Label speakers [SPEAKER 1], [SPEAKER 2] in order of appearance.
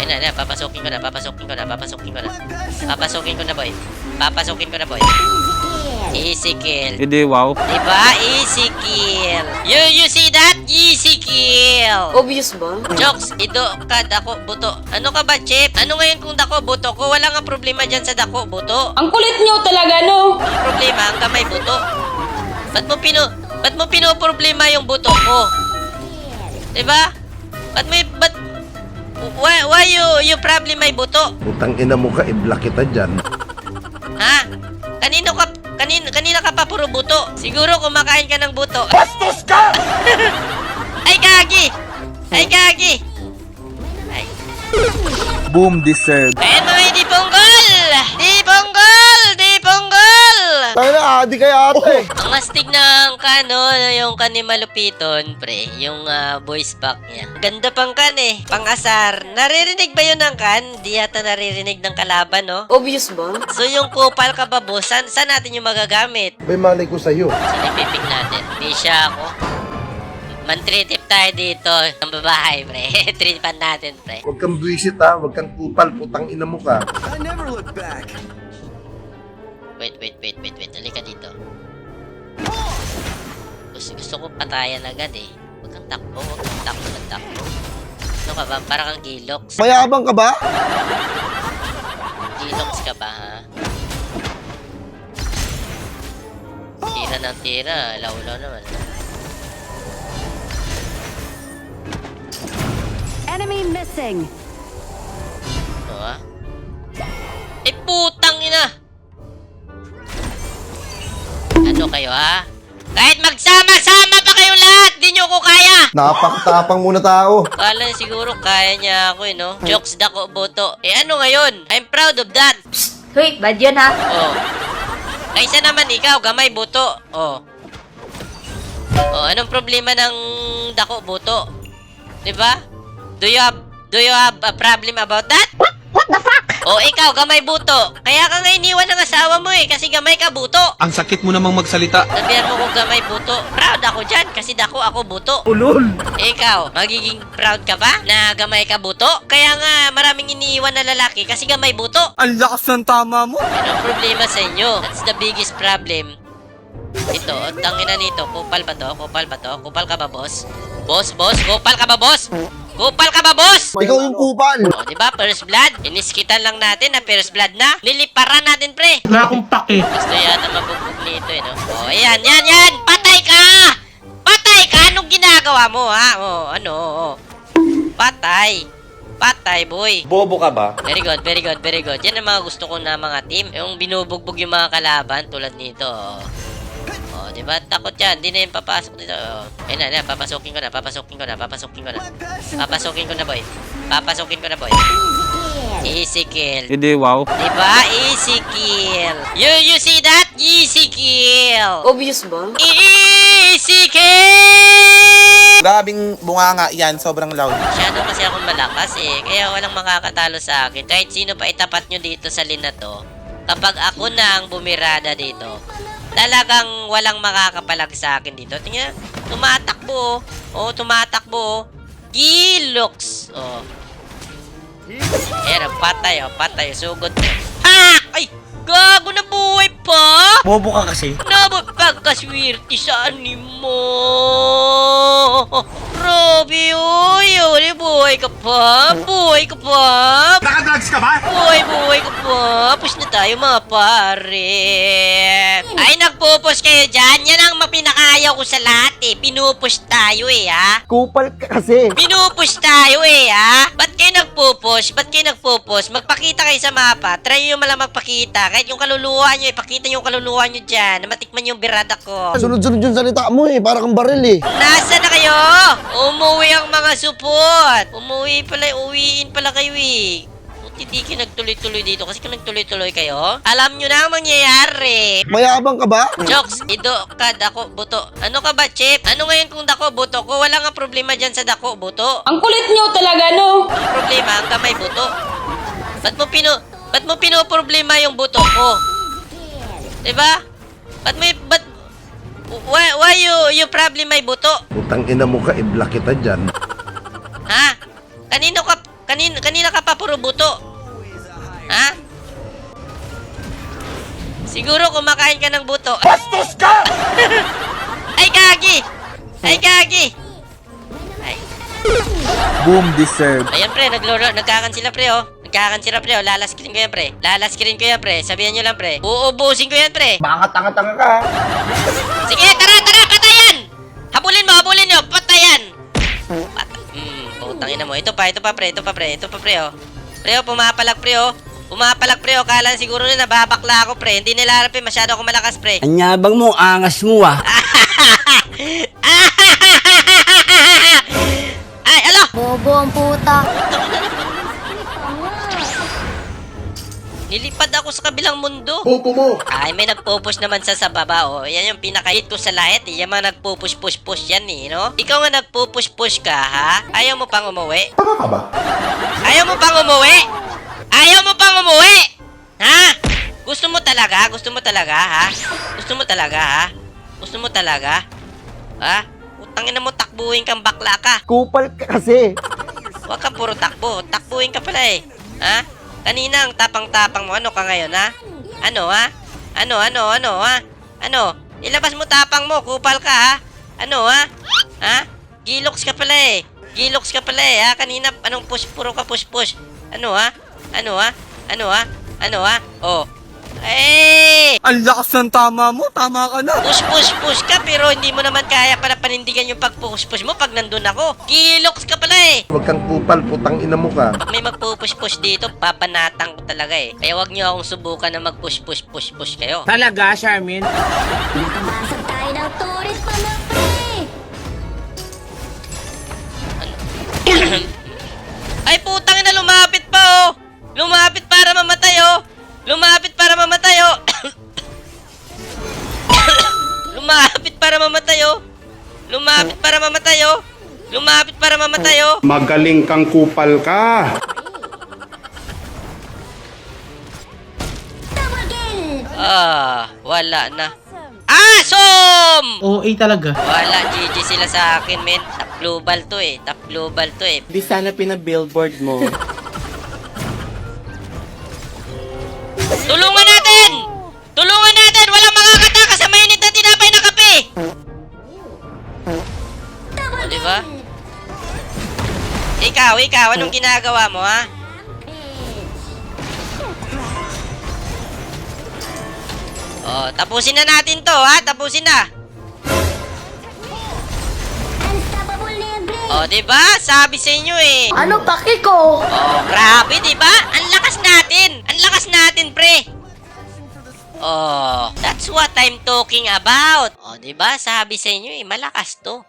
[SPEAKER 1] Ayan na, papasukin ko na, papasukin ko na, papasukin ko na. Papasukin ko na, boy. Papasukin ko na, boy. Easy kill.
[SPEAKER 2] Hindi, wow.
[SPEAKER 1] Diba? Easy kill. You see that? Easy kill.
[SPEAKER 3] Obvious ba?
[SPEAKER 1] Jokes, ido ka, dako, buto. Ano ka ba, Chip? Ano ngayon kung dako, buto ko? Wala nga problema dyan sa dako, buto.
[SPEAKER 3] Ang kulit nyo talaga, no?
[SPEAKER 1] Ang problema, ang kamay, buto. Ba't mo pinoproblema yung buto ko? Diba? Why you problem my buto?
[SPEAKER 4] Putang ina mo ka, i-block kita dyan.
[SPEAKER 1] Ha? Kanina ka pa puro buto. Siguro kumakain ka ng buto.
[SPEAKER 4] Bastos ka!
[SPEAKER 1] Ay, gagi! Ay, gagi! Ay.
[SPEAKER 2] Boom deserved.
[SPEAKER 1] Ayan mga di ponggol! Di ponggol! Di ponggol!
[SPEAKER 4] Tayo na, adi kay ate.
[SPEAKER 1] Ang astig ng kano, yung kan ni Malupiton, pre. Yung voice pack niya. Ganda pang kan eh. Pang-asar. Naririnig ba yun ng kan? Di yata naririnig ng kalaban, no?
[SPEAKER 3] Obvious ba?
[SPEAKER 1] So yung kupal ka ba, boss? Saan natin yung magagamit?
[SPEAKER 4] May malay ko sa'yo.
[SPEAKER 1] Sinipipig natin. Di siya ako. Man-tritip tayo dito. Ang babae, pre. Tripan natin, pre.
[SPEAKER 4] Huwag kang buwisit ha, huwag kang kupal, putang ina mo ka.
[SPEAKER 1] Wait. Halika dito. Gusto ko patayan agad eh. Huwag kang takbo. Ano ka ba? Parang kang gilox.
[SPEAKER 4] Mayabang ka ba?
[SPEAKER 1] Gilox ka ba, ha? Tira ng tira. Laulaw naman.
[SPEAKER 5] Enemy missing.
[SPEAKER 1] Ano, ha? Eh, putang ina! Ano kayo, ha? Kahit magsama-sama pa kayo lahat, di nyo ko kaya!
[SPEAKER 4] Napakatapang muna tao.
[SPEAKER 1] Kala siguro kaya niya ako, no? Jokes dako boto. Eh, ano ngayon? I'm proud of that.
[SPEAKER 3] Hoy, bad yun ha?
[SPEAKER 1] Oh. Kaysa naman ikaw, gamay buto. Oh. Oh, anong problema ng dako buto? 'Di ba? Do you have a problem about that? What the fuck? Oh, ikaw gamay buto. Kaya ka nga iniwan ng asawa mo eh kasi gamay ka buto.
[SPEAKER 2] Ang sakit mo namang magsalita.
[SPEAKER 1] Sabihan mo kung gamay buto. Proud ako dyan kasi dako ako buto.
[SPEAKER 4] Ulol.
[SPEAKER 1] Ikaw, magiging proud ka ba na gamay ka buto? Kaya nga maraming iniiwan na lalaki kasi gamay buto.
[SPEAKER 2] Ang lakas ng tama mo.
[SPEAKER 1] Anong problema sa inyo? That's the biggest problem. Ito, tangina nito. Kupal ba to? Kupal ba to? Kupal ka ba, boss? Boss? Kupal ka ba, boss? Kupal ka ba, boss?
[SPEAKER 4] Ikaw yung kupal.
[SPEAKER 1] O, diba? First blood. Iniskitan lang natin na first blood na. Liliparan natin, pre.
[SPEAKER 2] Wala akong pake.
[SPEAKER 1] Gusto yata mabugbog nito, eh, no? O, ayan. Patay ka! Patay ka! Anong ginagawa mo, ha? O, ano, o. Patay, boy.
[SPEAKER 2] Bobo ka ba?
[SPEAKER 1] Very good. Yan ang mga gusto ko na mga team. Yung binubugbog yung mga kalaban tulad nito. Oh, diba? Takot yan. Di na yung papasok dito. Oh. Ayun na. Papasukin ko na, boy. Easy kill.
[SPEAKER 2] Hindi, wow.
[SPEAKER 1] Diba? Easy kill. You see that? Easy kill.
[SPEAKER 3] Obvious ba?
[SPEAKER 1] Easy kill!
[SPEAKER 6] Grabing bunganga yan, sobrang loud.
[SPEAKER 1] Masyado kasi akong malakas eh. Kaya walang makakatalo sa akin. Kahit sino pa itapat nyo dito sa lina to. Kapag ako na ang bumirada dito, talagang walang makakapalag sa akin dito. Tingnan, tumatakbo. Oh, tumatakbo. Gilox. Oh. Ayan, patay. Sugod. Ha! Ay! Gago na buhay pa!
[SPEAKER 6] Bobo ka kasi.
[SPEAKER 1] Pagkaswerte sa animo. Robby, uy, buhay ka pa.
[SPEAKER 6] Nakadrugs ka ba?
[SPEAKER 1] Buhay ka pa. Push na tayo mga pare. Ay, nagpupush kayo dyan. Yan ang mapinakayaw ko sa lahat eh. Pinupush tayo eh, ha?
[SPEAKER 4] Kupal ka kasi.
[SPEAKER 1] Pinupush tayo eh, ha? Ba't kayo nagpupush? Magpakita kayo sa mapa. Try nyo malang magpakita. Kahit yung kaluluwa nyo, ipakita yung kaluluwa nyo dyan. Na matikman yung birada ko.
[SPEAKER 4] Sunod-sunod yung salita mo eh, para kang baril eh.
[SPEAKER 1] Nasaan na kayo? Umuwi ang mga supot. Uwiin pala kayo eh. Hindi kayo nagtuloy-tuloy dito kasi kung nagtuloy-tuloy kayo, alam nyo na ang mangyayari.
[SPEAKER 4] Mayabang ka ba?
[SPEAKER 1] Jokes, ido ka, dako, buto. Ano ka ba, Chip? Ano ngayon kung dako, buto ko? Wala nga problema dyan sa dako, buto.
[SPEAKER 3] Ang kulit nyo talaga, no?
[SPEAKER 1] Ang problema, ang kamay, buto. Ba't mo pinoproblema yung buto ko? Diba? Why you problem my buto?
[SPEAKER 4] Putang ina mo ka, i-block kita dyan.
[SPEAKER 1] Ha? Kanina ka pa puro buto. Ha? Siguro kumakain ka ng buto. Bastos ka! Ay, gagi! Ay, gagi! Ay.
[SPEAKER 4] Boom, deserve.
[SPEAKER 1] Ayan, pre. Nagkakan sila, pre, oh. Nagkakan sila, pre, oh. Lalaskirin ko yan, pre. Lalaskirin ko yan, pre. Sabihan nyo lang, pre. Uubusin ko yan, pre.
[SPEAKER 4] Baka tanga-tanga ka.
[SPEAKER 1] Sige, tara! Patayan! Habulin nyo! Patayan! Putang ina mo. Ito pa, pre, oh. Pre, oh, pumapalak, pre, oh. Kala siguro na nababakla ako, pre. Hindi nila harap, masyado ako malakas, pre.
[SPEAKER 7] Anyabang mo, angas mo ah.
[SPEAKER 1] Ay, alo!
[SPEAKER 3] Bobo ang puta.
[SPEAKER 1] Nilipad ako sa kabilang mundo.
[SPEAKER 4] Popo mo.
[SPEAKER 1] Ay, may nagpo-push naman sa baba, oh. Yan yung pinaka-hit ko sa lahat, eh. Yan mga nagpo-push yan, eh, no? Ikaw nga nagpo-push ka, ha? Ayaw mo pang umuwi?
[SPEAKER 4] Tanga ka ba?
[SPEAKER 1] Ayaw mo pang umuwi? Ha? Gusto mo talaga, ha? Gusto mo talaga? Ha? Utangin mo, takbuhin kang bakla ka.
[SPEAKER 4] Kupal ka kasi.
[SPEAKER 1] Huwag kang puro takbo. Takbuhin ka pala, eh. Ha? Kanina ang tapang-tapang mo. Ano ka ngayon, ha? Ano, ha? Ano? Ilabas mo tapang mo. Kupal ka, ha? Ano, ha? Ha? Gilox ka pala, eh. Ha? Kanina, anong push? Puro ka push. Ano, ha? Oh. Eh!
[SPEAKER 2] Ang lakas ng tama mo, tama ka na.
[SPEAKER 1] Push ka, pero hindi mo naman kaya para panindigan yung pag-push mo pag nandun ako. Gilox ka pala, eh.
[SPEAKER 4] Huwag kang kupal, putang ina mo ka.
[SPEAKER 1] Pag may magpupush dito, papanatang ko talaga, eh. Kaya wag niyo akong subukan na mag-push kayo.
[SPEAKER 7] Talaga, Charmin?
[SPEAKER 3] Pumasok tayo ng turis pa na, pre.
[SPEAKER 1] Ay, putang ina, lumapit pa, oh. Lumapit para mamatay, oh. Lumapit para mamatay, oh.
[SPEAKER 8] Magaling kang kupal ka.
[SPEAKER 1] Wala na. Asom!
[SPEAKER 2] OA talaga.
[SPEAKER 1] Wala, GG sila sa akin, men. Top global to, eh.
[SPEAKER 7] Di sana pinabillboard mo.
[SPEAKER 1] Tulungan natin! Walang makakataka sa mainit na tinapay na kape! O, diba? Ikaw, anong ginagawa mo, ha? O, tapusin na natin to, ha? Tapusin na!
[SPEAKER 3] Unstoppable na yan, pre.
[SPEAKER 1] O, diba? Sabi sa inyo, eh.
[SPEAKER 3] Ano paki ko?
[SPEAKER 1] Oh, grabe, di ba? Ang lakas natin, pre. Oh, that's what I'm talking about. Oh, di ba? Sabi sa inyo, malakas to.